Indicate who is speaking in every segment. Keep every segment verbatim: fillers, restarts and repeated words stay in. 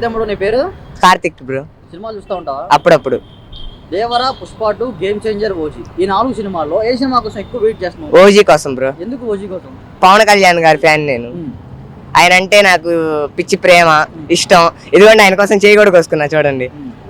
Speaker 1: తమ్ముడు నీ పేరు?
Speaker 2: కార్తిక్ బ్రో.
Speaker 1: సినిమాలు చూస్తూ ఉంటావా?
Speaker 2: అప్పుడప్పుడు.
Speaker 1: Devara, Pushpa two, game changer, OG, ఈ నాలుగు సినిమాల్లో ఏ సినిమా కోసం ఎక్కువ వెయిట్ చేస్తున్నావు?
Speaker 2: ఓజీ కోసం బ్రో.
Speaker 1: ఎందుకు ఓజీ కోసం?
Speaker 2: పవన్ కళ్యాణ్ గారి ఫ్యాన్ నేను. ఆయన అంటే నాకు పిచ్చి ప్రేమ, ఇష్టం. ఇదిగోండి ఆయన కోసం చేయి కూడా కోసుకున్నా చూడండి.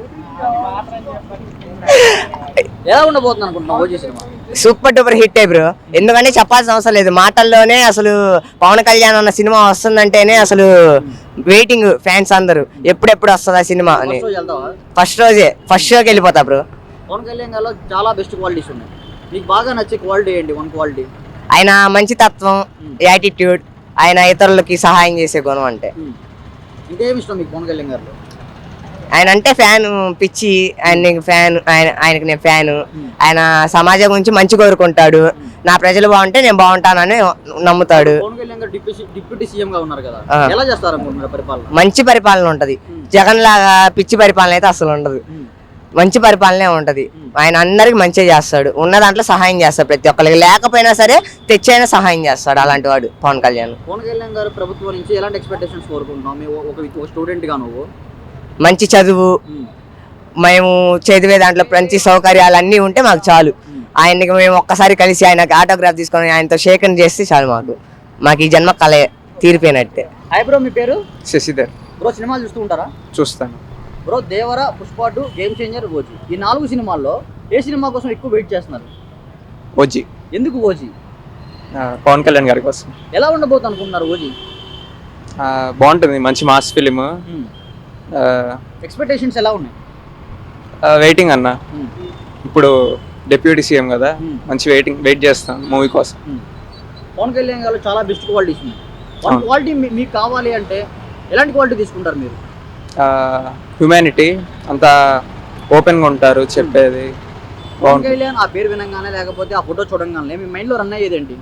Speaker 1: ఎలా ఉండబోతుంది అనుకుంటున్నావు OG cinema?
Speaker 2: Super duper hit అయ్యి బ్రో. ఎందుకంటే చెప్పాల్సిన అవసరం లేదు, మాటల్లోనే అసలు పవన్ కళ్యాణ్ అన్న సినిమా వస్తుందంటేనే అసలు వెయిటింగ్ ఫ్యాన్స్ అందరూ ఎప్పుడెప్పుడు వస్తుంది ఆ సినిమా అని. ఫస్ట్ రోజే ఫస్ట్ షోకి వెళ్ళిపోతా బ్రో.
Speaker 1: పవన్ కళ్యాణ్ గారిలో చాలా బెస్ట్ క్వాలిటీస్ ఉన్నాయి. మీకు బాగా నచ్చే క్వాలిటీ ఏంటి? One quality.
Speaker 2: ఆయన మంచి తత్వం, యాటిట్యూడ్, ఆయన ఇతరులకి సహాయం చేసే గుణం. అంటే
Speaker 1: ఇంకేమి ఇష్టం మీకు పవన్ కళ్యాణ్ గారిలో?
Speaker 2: ఆయన అంటే ఫ్యాన్ పిచ్చి, ఆయన ఫ్యాన్, ఆయన ఆయనకి నేను ఫ్యాన్. ఆయన సమాజం గురించి మంచి కోరుకుంటాడు. నా ప్రజలు బాగుంటే నేను బాగుంటానని నమ్ముతాడు.
Speaker 1: పవన్ కళ్యాణ్ గారు డిప్యూటీ సీఎం గా ఉన్నారు కదా, ఎలా చేస్తారు అనుకుంటున్నారు పరిపాలన?
Speaker 2: మంచి పరిపాలన ఉంటది. జగన్ లాగా పిచ్చి పరిపాలన అయితే అసలు ఉండదు. మంచి పరిపాలనే ఉంటది. ఆయన అందరికి మంచిగా చేస్తాడు. ఉన్న దాంట్లో సహాయం చేస్తాడు ప్రతి ఒక్కరికి. లేకపోయినా సరే తెచ్చైనా సహాయం చేస్తాడు అలాంటి వాడు పవన్ కళ్యాణ్.
Speaker 1: పవన్ కళ్యాణ్ గారు ప్రభుత్వం నుంచి ఎలాంటి ఎక్స్పెక్టేషన్స్ కోరుకుంటున్నావు? ఒక స్టూడెంట్ గా నువ్వు
Speaker 2: మంచి చదువు, మేము చదివే దాంట్లో మంచి సౌకర్యాలు అన్నీ ఉంటే మాకు చాలు. ఆయనకి మేము ఒక్కసారి కలిసి ఆయనకి ఆటోగ్రాఫ్ తీసుకొని ఆయనతో షేకన్ చేస్తే చాలు. మాకు మాకు ఈ జన్మ కళ తీరిపోయినట్టే.
Speaker 1: హాయ్ బ్రో, మీ పేరు?
Speaker 3: శశిధర్
Speaker 1: బ్రో. సినిమాలు చూస్తూ ఉంటారా?
Speaker 3: చూస్తాను
Speaker 1: bro. Devara, Pushpa two, game changer, OG, ఈ నాలుగు సినిమాల్లో ఏ సినిమా కోసం ఎక్కువ వెయిట్ చేస్తున్నారు?
Speaker 3: ఓజీ.
Speaker 1: ఎందుకు ఓజీ?
Speaker 3: పవన్ కళ్యాణ్ గారి కోసం.
Speaker 1: ఎలా ఉండబోతుంది అనుకుంటున్నారు ఓజీ?
Speaker 3: బాగుంటుంది, మంచి మాస్ ఫిలిం.
Speaker 1: ఎక్స్పెక్టేషన్స్ ఎలా ఉన్నాయి?
Speaker 3: వెయిటింగ్ అన్న, ఇప్పుడు డిప్యూటీ సీఎం కదా, మంచి వెయిటింగ్ వెయిట్ చేస్తాం మూవీ కోసం.
Speaker 1: పవన్ కళ్యాణ్ గారు చాలా బెస్ట్ క్వాలిటీస్ ఉన్నాయి. వన్ క్వాలిటీ మీకు కావాలి అంటే ఎలాంటి క్వాలిటీ తీసుకుంటారు మీరు?
Speaker 3: హ్యూమానిటీ, అంతా ఓపెన్గా ఉంటారు చెప్పేది.
Speaker 1: పవన్ కళ్యాణ్ ఆ పేరు వినంగానే లేకపోతే ఆ ఫోటో చూడంగానే మీ మైండ్లో రన్ అయ్యేది ఏంటి?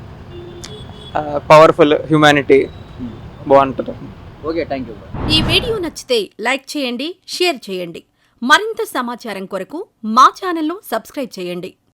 Speaker 3: పవర్ఫుల్, హ్యూమానిటీ బాగుంటుంది.
Speaker 1: Okay, thank you.
Speaker 4: ఈ వీడియో నచ్చితే లైక్ చేయండి, షేర్ చేయండి. మరింత సమాచారం కొరకు మా ఛానల్ను సబ్స్క్రైబ్ చేయండి.